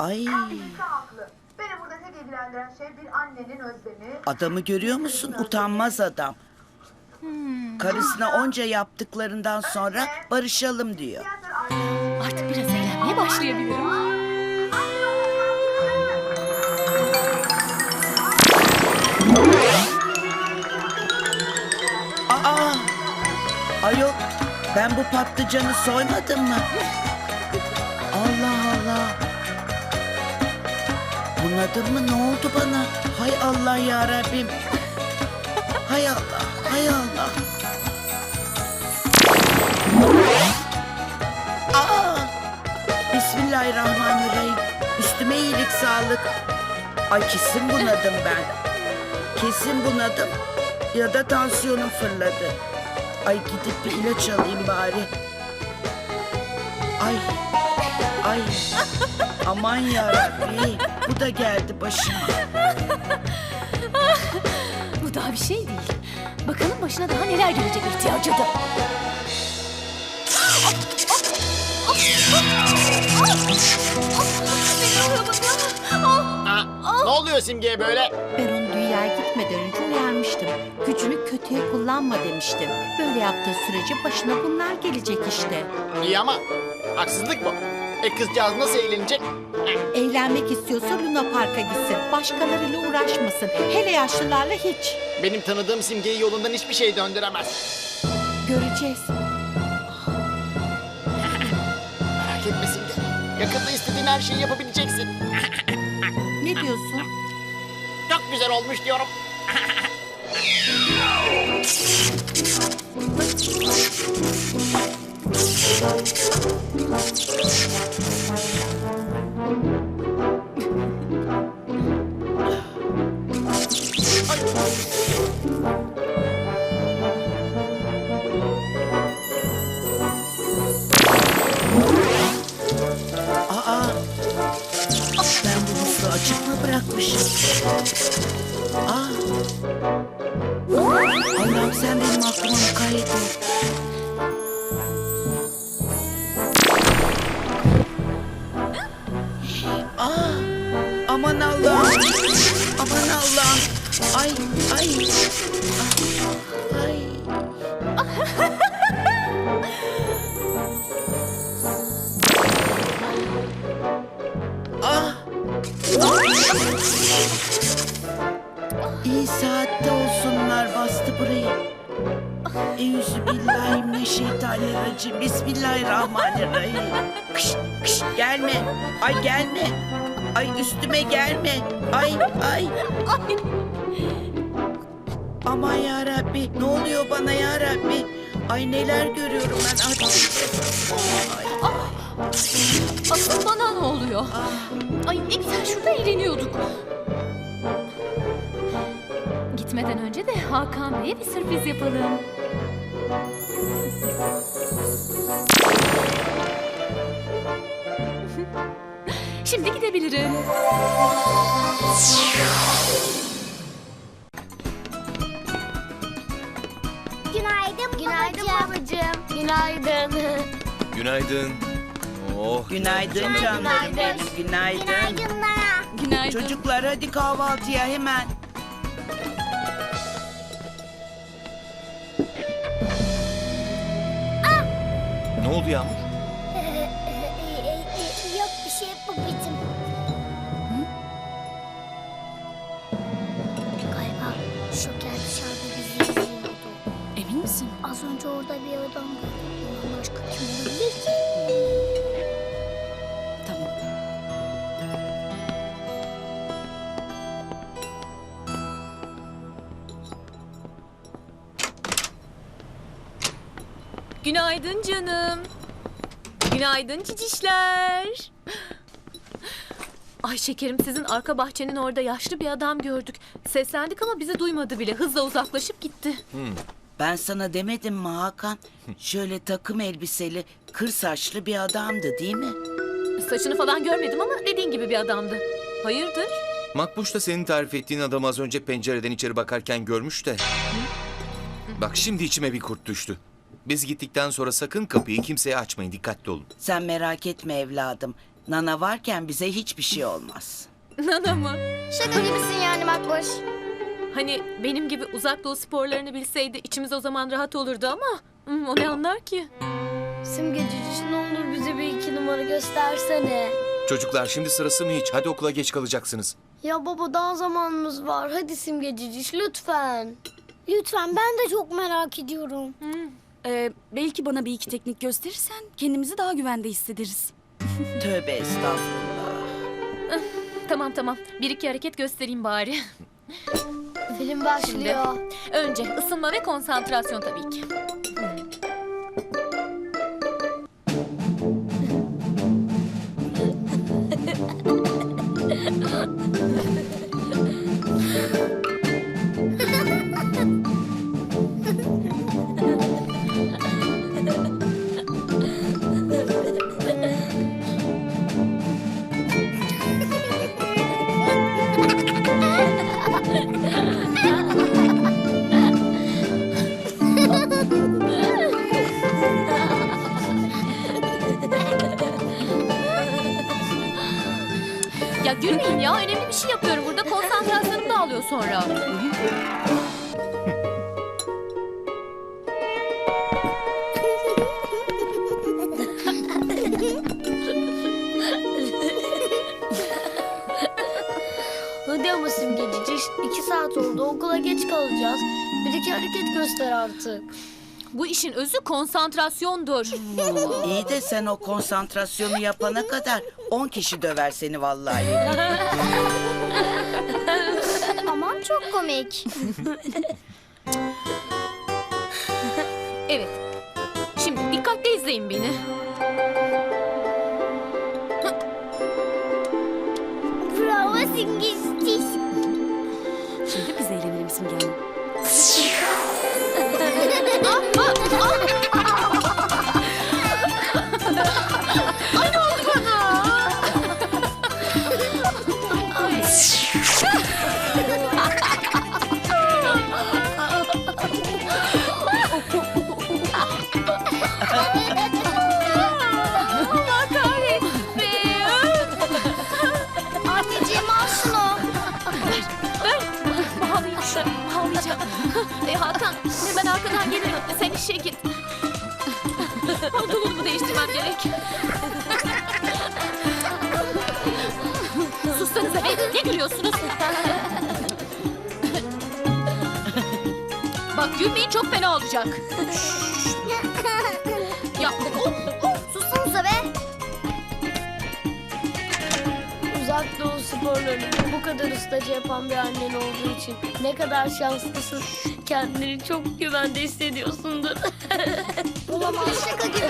Ay, Kendisi haklı. Beni burada tek ilgilendiren şey bir annenin özlemi. adamı görüyor musun? Utanmaz adam. Karısına onca yaptıklarından sonra barışalım diyor. Artık biraz eğlenmeye başlayabilirim. Aa! Ayol, ben bu patlıcanı soymadım mı? Allah Allah. Bunadım mı? Ne oldu bana? Hay Allah ya Rabbim. Hay Allah, hay Allah. Aa! Bismillahirrahmanirrahim. Üstüme iyilik sağlık. Ay kesin bunadım ben. Kesin bunadım. Ya da tansiyonum fırladı. Ay gidip bir ilaç alayım bari. Ay. Ay. Aman yarabbim. Bu da geldi başıma. Bu daha bir şey değil. Bakalım başına daha neler gelecek ihtiyacı da. Ne oluyor Simge'ye böyle? Ben onu dünyaya gitmeden önce uyarmıştım. Gücünü kötüye kullanma demiştim. Böyle yaptığı sürece başına bunlar gelecek işte. İyi ama haksızlık bu. Kızcağız nasıl eğlenecek? Eğlenmek istiyorsa Luna Park'a gitsin. Başkalarıyla uğraşmasın. Hele yaşlılarla hiç. Benim tanıdığım Simge'yi yolundan hiçbir şey döndüremez. Göreceğiz. Merak etme Simge. Yakında istediğin her şeyi yapabileceksin. Ne diyorsun? Çok güzel olmuş diyorum. Aa! Ben bu musluğu açık mı bırakmışım? Aa! Allah'ım sen benim aklıma mukayyet ol. Aa! Aman Allah'ım! Aman Allah'ım! Ay! Ay! Ay! Ah! İyi saatte olsunlar bastı burayı. Euzubillahimineşşeytanirracim. Bismillahirrahmanirrahim. Kış, kış, gelme. Ay gelme. Ay üstüme gelme. Ay ay. Aman ya Rabbi, ne oluyor bana ya Rabbi? Ay neler görüyorum ben artık. Ay. Asıl bana ne oluyor? Ay ne güzel şurada eğleniyorduk. Gitmeden önce de Hakan Bey'e bir sürpriz yapalım. Şimdi gidebilirim. Günaydın babacığım. Günaydın. Günaydın. Oh. Günaydın canlarım benim, günaydın. Günaydınlar. Günaydın. Çocuklar hadi kahvaltıya hemen. Ne oldu Yağmur? Yok bir şey babacığım. Galiba Şoker dışarıda bizi izliyordu. Emin misin? Az önce orada bir adam gördüm. Ondan başka kim olabilir ki? Tamam. Günaydın canım. Günaydın cicişler. Ay şekerim sizin arka bahçenin orada yaşlı bir adam gördük. Seslendik ama bizi duymadı bile. Hızla uzaklaşıp gitti. Ben sana demedim mi Hakan? Şöyle takım elbiseli, kır saçlı bir adamdı değil mi? Saçını falan görmedim ama dediğin gibi bir adamdı. Hayırdır? Makbuş da senin tarif ettiğin adamı az önce pencereden içeri bakarken görmüş de. Bak şimdi içime bir kurt düştü. Biz gittikten sonra sakın kapıyı kimseye açmayın, dikkatli olun. Sen merak etme evladım. Nana varken bize hiçbir şey olmaz. Nana mı? Şaka gibisin yani Makboş. Hani benim gibi uzak doğu sporlarını bilseydi içimiz o zaman rahat olurdu ama o ne anlar ki? Simge Cücüş ne olur bize bir 2 numara göstersene. Çocuklar şimdi sırası mı hiç? Hadi okula geç kalacaksınız. Ya baba daha zamanımız var. Hadi Simge Cücüş lütfen. Lütfen ben de çok merak ediyorum. Belki bana bir iki teknik gösterirsen kendimizi daha güvende hissederiz. Tövbe estağfurullah. Tamam. Bir iki hareket göstereyim bari. Film başlıyor. Önce ısınma ve konsantrasyon tabii ki. Ya gülmeyin ya. Önemli bir şey yapıyorum burada. Konsantrasyonum dağılıyor sonra. Hadi ama Simge Cücüş 2 saat oldu okula geç kalacağız. Bir iki hareket göster artık. Bu işin özü konsantrasyondur. İyi de sen o konsantrasyonu yapana kadar 10 kişi döver seni vallahi. Aman çok komik. Evet. Şimdi dikkatle izleyin beni. Bravo Simge Cücüş. Şimdi biz eğlenelim Simge Hanım. Allah kahretsin. Anneciğim al şunu. Bağlayayım şunu. Bağlayacağım. Hakan ben arkadan gelirim. Sen işe git. Pantolonumu değiştirmem gerek. Sussanıza be. Ne gülüyorsunuz? Bak gülmeyin çok fena olacak. Ya Sussanıza be. Uzak doğu sporlarını bu kadar ustaca yapan bir annen olduğu için ne kadar şanslısın. Kendini çok güvende hissediyorsundur. Olamaz şaka gibi.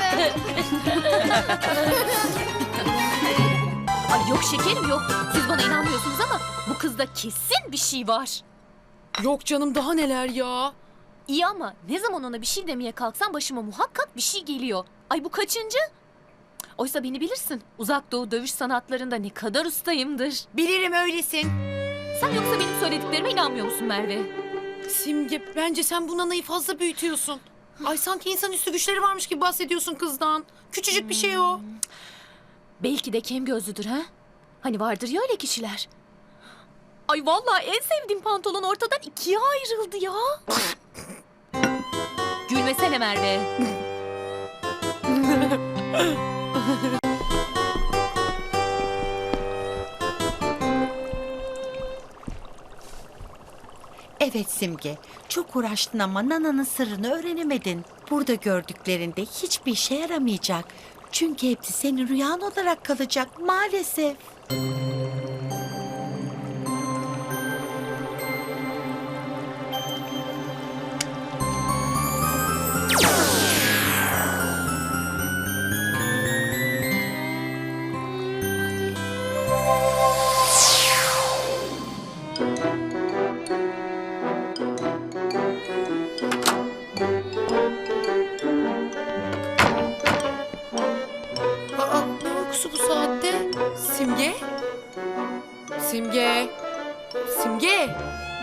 Ay yok şekerim yok. Siz bana inanmıyorsunuz ama bu kızda kesin bir şey var. Yok canım daha neler ya. İyi ama ne zaman ona bir şey demeye kalksam başıma muhakkak bir şey geliyor. Ay bu kaçıncı? Oysa beni bilirsin. Uzak doğu dövüş sanatlarında ne kadar ustayımdır. Bilirim öylesin. Sen yoksa benim söylediklerime inanmıyor musun Merve? Simge bence sen bu nanayı fazla büyütüyorsun. Ay sanki insanüstü güçleri varmış gibi bahsediyorsun kızdan. Küçücük bir şey o. Belki de kem gözlüdür ha? Hani vardır ya öyle kişiler. Ay vallahi en sevdiğim pantolon ortadan ikiye ayrıldı ya. Gülmesene Merve. Evet Simge, çok uğraştın ama Nana'nın sırrını öğrenemedin. Burada gördüklerinde hiçbir işe yaramayacak. Çünkü hepsi senin rüyan olarak kalacak maalesef. Aa, ne uykusu bu saatte? Simge? Simge? Simge?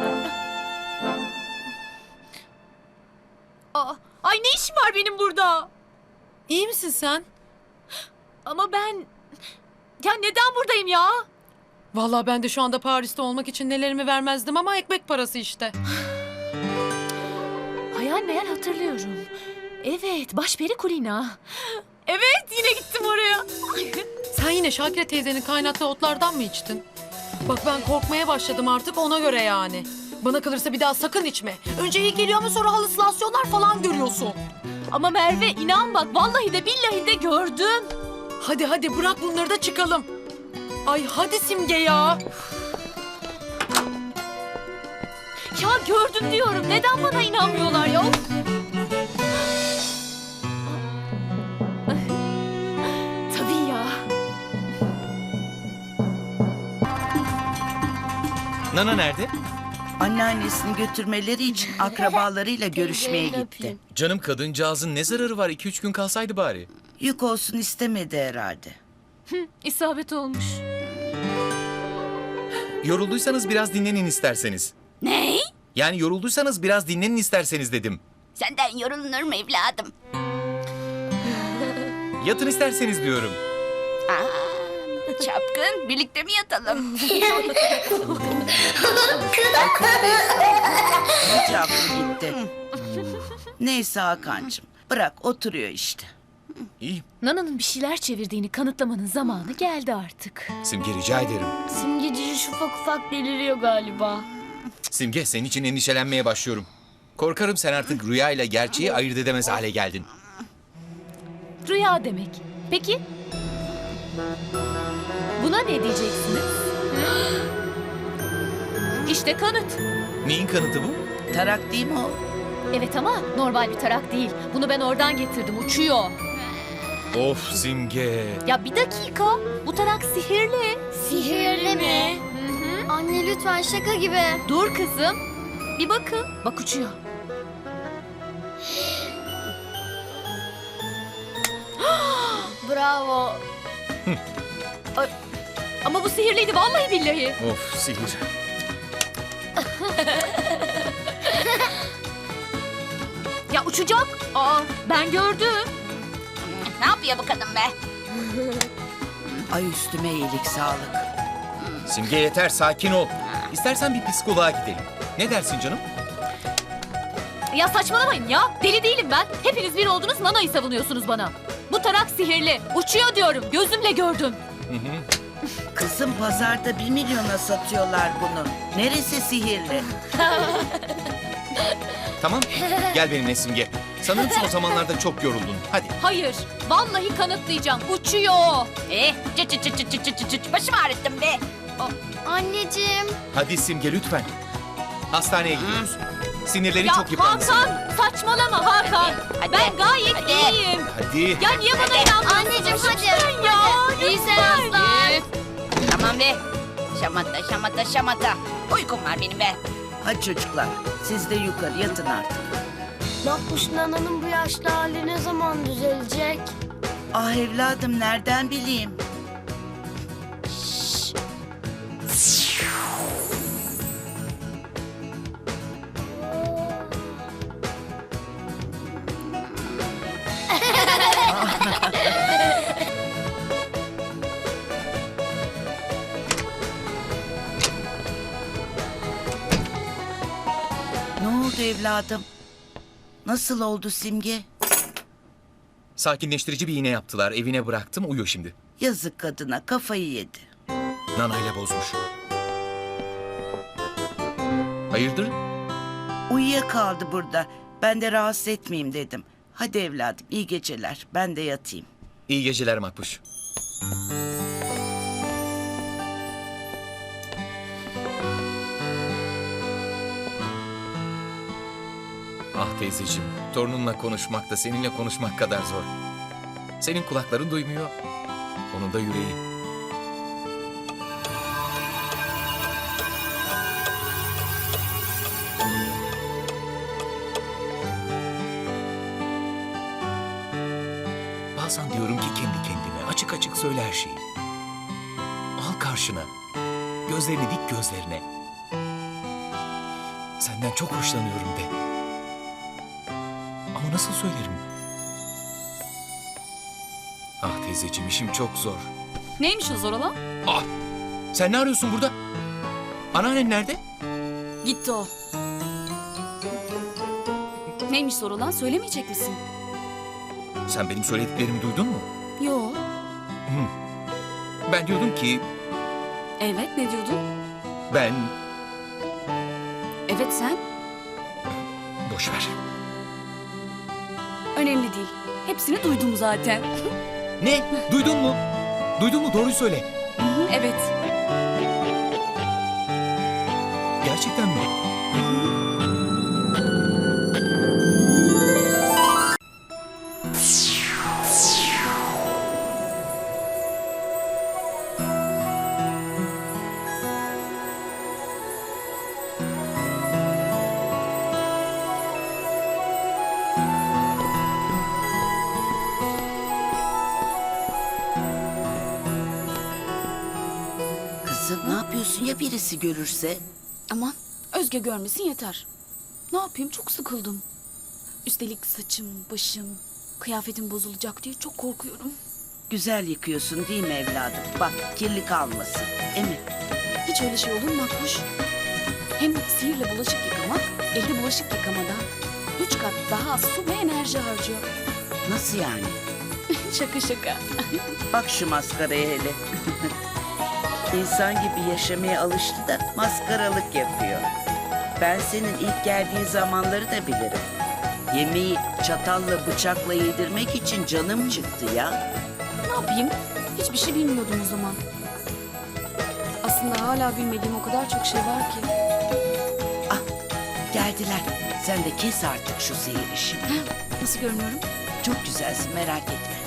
Ay ne işim var benim burada? İyi misin sen? Ama ben Ya neden buradayım ya? Vallahi ben de şu anda Paris'te olmak için nelerimi vermezdim ama ekmek parası işte. Hayal meyal hatırlıyorum. Evet, başperi Kulina. Evet, yine gittim oraya. Sen yine Şakire teyzenin kaynattığı otlardan mı içtin? Bak ben korkmaya başladım artık ona göre yani. Bana kalırsa bir daha sakın içme. Önce iyi geliyor ama sonra halüsinasyonlar falan görüyorsun. Ama Merve inan bak vallahi de billahi de gördüm. Hadi hadi bırak bunları da çıkalım. Ay hadi Simge ya. Ya gördüm diyorum. Neden bana inanmıyorlar ya? Of! Tabii ya. Nana nerede? Anneannesini götürmeleri için akrabalarıyla görüşmeye Teyzeyi gitti. öpeyim. Canım kadıncağızın ne zararı var? 2-3 gün kalsaydı bari. Yük olsun istemedi herhalde. İsabet olmuş. Yorulduysanız biraz dinlenin isterseniz. Ne? Yani yorulduysanız biraz dinlenin isterseniz dedim. Senden yorulunur mu evladım? Yatın isterseniz diyorum. Çapkın, birlikte mi yatalım? Hiç aklı gitti. Neyse Hakan'cığım bırak oturuyor işte. İyi. Nana'nın bir şeyler çevirdiğini kanıtlamanın zamanı geldi artık. Simge rica ederim. Simgecici ufak ufak deliriyor galiba. Simge senin için endişelenmeye başlıyorum. Korkarım sen artık rüya ile gerçeği ayırt edemez hale geldin. Rüya demek. Peki? Buna ne diyeceksiniz? İşte kanıt. Neyin kanıtı bu? Tarak değil mi o? Evet ama normal bir tarak değil. Bunu ben oradan getirdim. Uçuyor. Of Simge. Ya bir dakika. Bu tarak sihirli. Sihirli mi? Anne lütfen şaka gibi. Dur kızım. Bir bakın. Bak uçuyor. Bravo. Ay, ama bu sihirliydi vallahi billahi. Of sihir. Ya uçacak. Aa ben gördüm. Ne yapıyor bu kadın be? Ay üstüme iyilik sağlık. Simge yeter sakin ol. İstersen bir psikoloğa gidelim. Ne dersin canım? Ya saçmalamayın ya. Deli değilim ben. Hepiniz bir oldunuz Nana'yı savunuyorsunuz bana. Bu tarak sihirli. Uçuyor diyorum. Gözümle gördüm. Kızım pazarda 1 milyona satıyorlar bunu. Neresi sihirli? Tamam gel benimle Simge. Sanırım son zamanlarda çok yoruldun. Hadi. Hayır. Vallahi kanıtlayacağım. Uçuyor. Başımı ağrıttın be. Anneciğim. Hadi Simge lütfen. Hastaneye gidiyoruz. Sinirleri Ya çok yıprandı senin. Hakan saçmalama Hakan. Hadi. Ben gayet iyiyim. Hadi. Ya niye bana inanmıyorsun? Anneciğim hadi. Lütfen ya. İyi seanslar. Tamam be. Şamata şamata şamata. Uykum var benim be. Hadi çocuklar siz de yukarı yatın artık. Makbuş Nana'nın bu yaşlı hali ne zaman düzelecek? Ah evladım nereden bileyim? Ne oldu evladım? Nasıl oldu Simge? Sakinleştirici bir iğne yaptılar. Evine bıraktım. Uyuyor şimdi. Yazık kadına kafayı yedi. Nanayla bozmuş. Hayırdır? Uyuyakaldı burada. Ben de rahatsız etmeyeyim dedim. Hadi evladım iyi geceler. Ben de yatayım. İyi geceler Makbuş. Ah teyzeciğim, torununla konuşmak da seninle konuşmak kadar zor. Senin kulakların duymuyor, onun da yüreği. Bazen diyorum ki kendi kendime açık açık söyle her şeyi. Al karşına, gözlerini dik gözlerine. Senden çok hoşlanıyorum de. Ama nasıl söylerim? Ah teyzeciğim işim çok zor. Neymiş o zor olan? Ah! Sen ne arıyorsun burada? Anneannen nerede? Gitti o. Neymiş zor olan söylemeyecek misin? Sen benim söylediklerimi duydun mu? Yo. Ben diyordum ki Evet ne diyordun? ben... Evet sen. Boş ver. Önemli değil. Hepsini duydum zaten. Ne? Duydun mu? Duydun mu? Doğruyu söyle. Evet. Gerçekten mi? Kızım ne yapıyorsun ya birisi görürse? Aman Özge görmesin yeter. Ne yapayım çok sıkıldım. Üstelik saçım, başım, kıyafetim bozulacak diye çok korkuyorum. Güzel yıkıyorsun değil mi evladım? Bak kirli kalmasın. Emin. Hiç öyle şey olur mu Makbuş? Hem sihirle bulaşık yıkamak, elde bulaşık yıkamadan 3 kat daha az su ve enerji harcıyor. Nasıl yani? Şaka şaka. Bak şu maskaraya hele. İnsan gibi yaşamaya alıştı da maskaralık yapıyor. Ben senin ilk geldiğin zamanları da bilirim. Yemeği çatalla bıçakla yedirmek için canım çıktı ya. Ne yapayım? Hiçbir şey bilmiyordum o zaman. Aslında hala bilmediğim o kadar çok şey var ki. Ah geldiler. Sen de kes artık şu sihir işini. Nasıl görünüyorum? Çok güzelsin merak etme.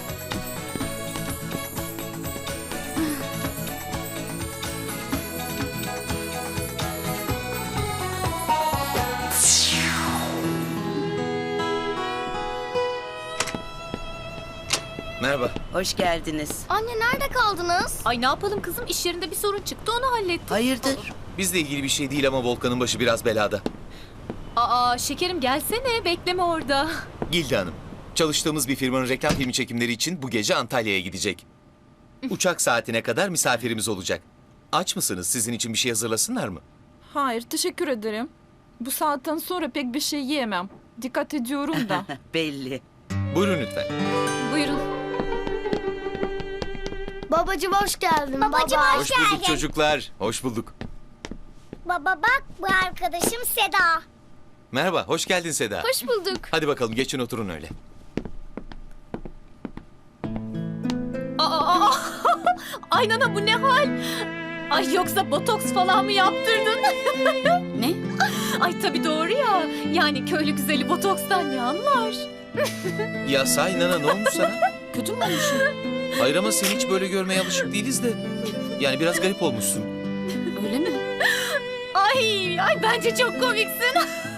Merhaba. Hoş geldiniz. Anne nerede kaldınız? Ay ne yapalım kızım, iş yerinde bir sorun çıktı, onu hallettik. Hayırdır? Bizle ilgili bir şey değil ama Volkan'ın başı biraz belada. Aa şekerim gelsene, bekleme orada. Gilde Hanım, çalıştığımız bir firmanın reklam filmi çekimleri için bu gece Antalya'ya gidecek. Uçak saatine kadar misafirimiz olacak. Aç mısınız? Sizin için bir şey hazırlasınlar mı? Hayır, teşekkür ederim. Bu saatten sonra pek bir şey yiyemem. Dikkat ediyorum da. Belli. Buyurun lütfen. Buyurun. Babacığım hoş geldin. Babacığım Hoş bulduk çocuklar. Hoş bulduk. Baba bak bu arkadaşım Seda. Merhaba, hoş geldin Seda. Hoş bulduk. Hadi bakalım geçin oturun öyle. Aa, ay nana bu ne hal? Ay yoksa botoks falan mı yaptırdın? Ne? Ay tabii doğru ya. Yani köylü güzeli botokstan ne anlar? Ya sahi Nana ne olmuş sana? Kötü mü olmuşum? Hayır ama seni hiç böyle görmeye alışık değiliz de. Yani biraz garip olmuşsun. Öyle mi? Ay bence çok komiksin.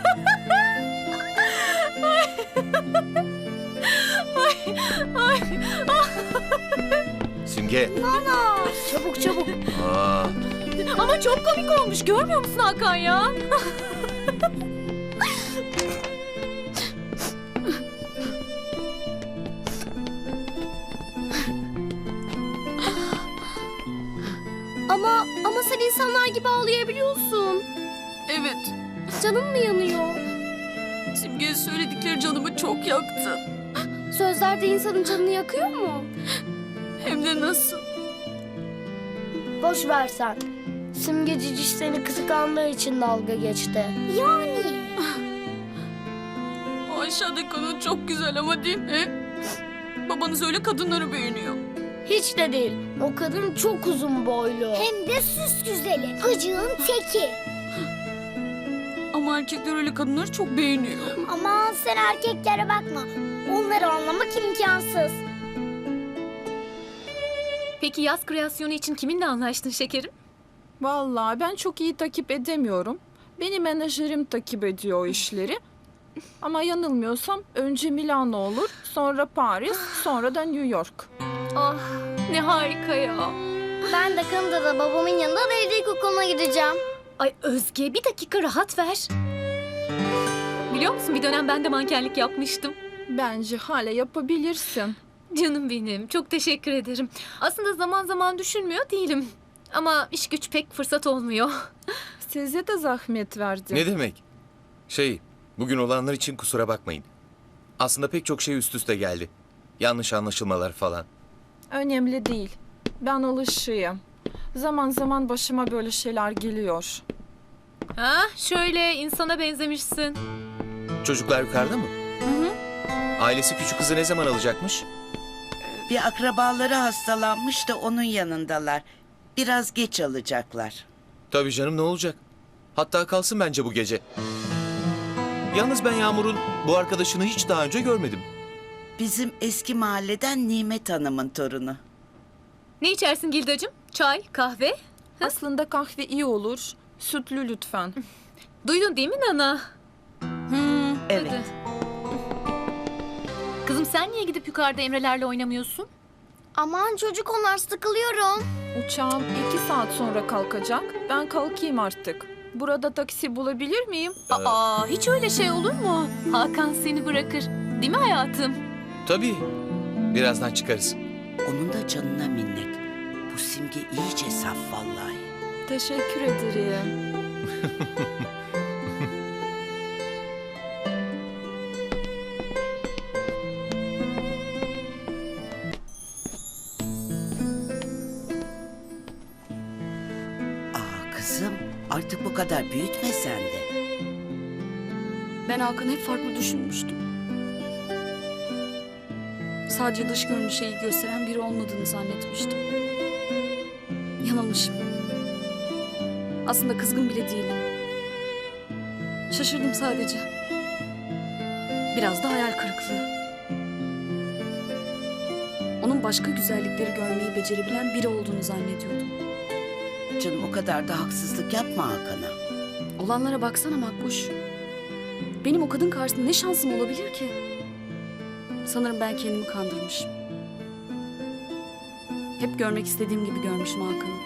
Simge. Çabuk çabuk. Aa, Ama çok komik olmuş, görmüyor musun Hakan ya? Ama sen insanlar gibi ağlayabiliyorsun. Evet. Canın mı yanıyor? Simge'nin söyledikleri canımı çok yaktı. Sözler de insanın canını yakıyor mu? Hem de nasıl? Boş ver sen. Simge Ciciş seni kıskandığı için dalga geçti. Yani? O aşağıdaki kadın çok güzel ama değil mi? Babanız öyle kadınları beğeniyor. Hiç de değil. O kadın çok uzun boylu. Hem de süs güzeli. Gıcığın teki. Ama erkekler öyle kadınları çok beğeniyor. Aman sen erkeklere bakma. Onları anlamak imkansız. Peki yaz kreasyonu için kiminle anlaştın şekerim? Vallahi ben çok iyi takip edemiyorum. Benim menajerim takip ediyor o işleri. Ama yanılmıyorsam önce Milano olur, sonra Paris, sonra da New York. Ah ne harika ya. Ben de Kanada'da babamın yanında devlet okuluna gideceğim. Ay Özge bir dakika rahat ver. Biliyor musun bir dönem ben de mankenlik yapmıştım. Bence hala yapabilirsin. Canım benim, çok teşekkür ederim. Aslında zaman zaman düşünmüyor değilim. Ama iş güç pek fırsat olmuyor. Size de zahmet verdim. Ne demek? Bugün olanlar için kusura bakmayın. Aslında pek çok şey üst üste geldi. Yanlış anlaşılmalar falan. Önemli değil. Ben alışığım. Zaman zaman başıma böyle şeyler geliyor. Ha, şöyle insana benzemişsin. Çocuklar yukarıda mı? Ailesi küçük kızı ne zaman alacakmış? Bir akrabaları hastalanmış da onun yanındalar. Biraz geç alacaklar. Tabii canım, ne olacak? Hatta kalsın bence bu gece. Yalnız ben Yağmur'un bu arkadaşını hiç daha önce görmedim. Bizim eski mahalleden Nimet Hanım'ın torunu. Ne içersin Gildacığım? Çay, kahve? Aslında kahve iyi olur. Sütlü lütfen. Duydun değil mi Nana? Evet. Hadi. Kızım sen niye gidip yukarıda Emre'lerle oynamıyorsun? Aman çocuk onlar sıkılıyorum. Uçağım 2 saat sonra kalkacak. Ben kalkayım artık. Burada taksi bulabilir miyim? Aa, hiç öyle şey olur mu? Hakan seni bırakır. Değil mi hayatım? Tabii. Birazdan çıkarız. Onun da canına minnet. Bu Simge iyice saf vallahi. Teşekkür ederim. Aa kızım, artık bu kadar büyütme sen de. Ben Hakan'ı hep farklı düşünmüştüm. Sadece dış görünüşe iyi gösteren biri olmadığını zannetmiştim. Yanılmışım. Aslında kızgın bile değilim. Şaşırdım sadece. Biraz da hayal kırıklığı. Onun başka güzellikleri görmeyi becerebilen biri olduğunu zannediyordum. Canım o kadar da haksızlık yapma Hakan'a. Olanlara baksana Makbuş. Benim o kadın karşısında ne şansım olabilir ki? Sanırım ben kendimi kandırmışım. Hep görmek istediğim gibi görmüşüm Hakan'ı.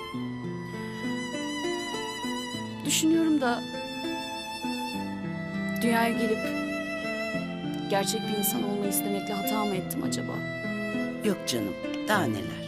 Düşünüyorum da... dünyaya gelip... gerçek bir insan olmayı istemekle hata mı ettim acaba? Yok canım, daha neler.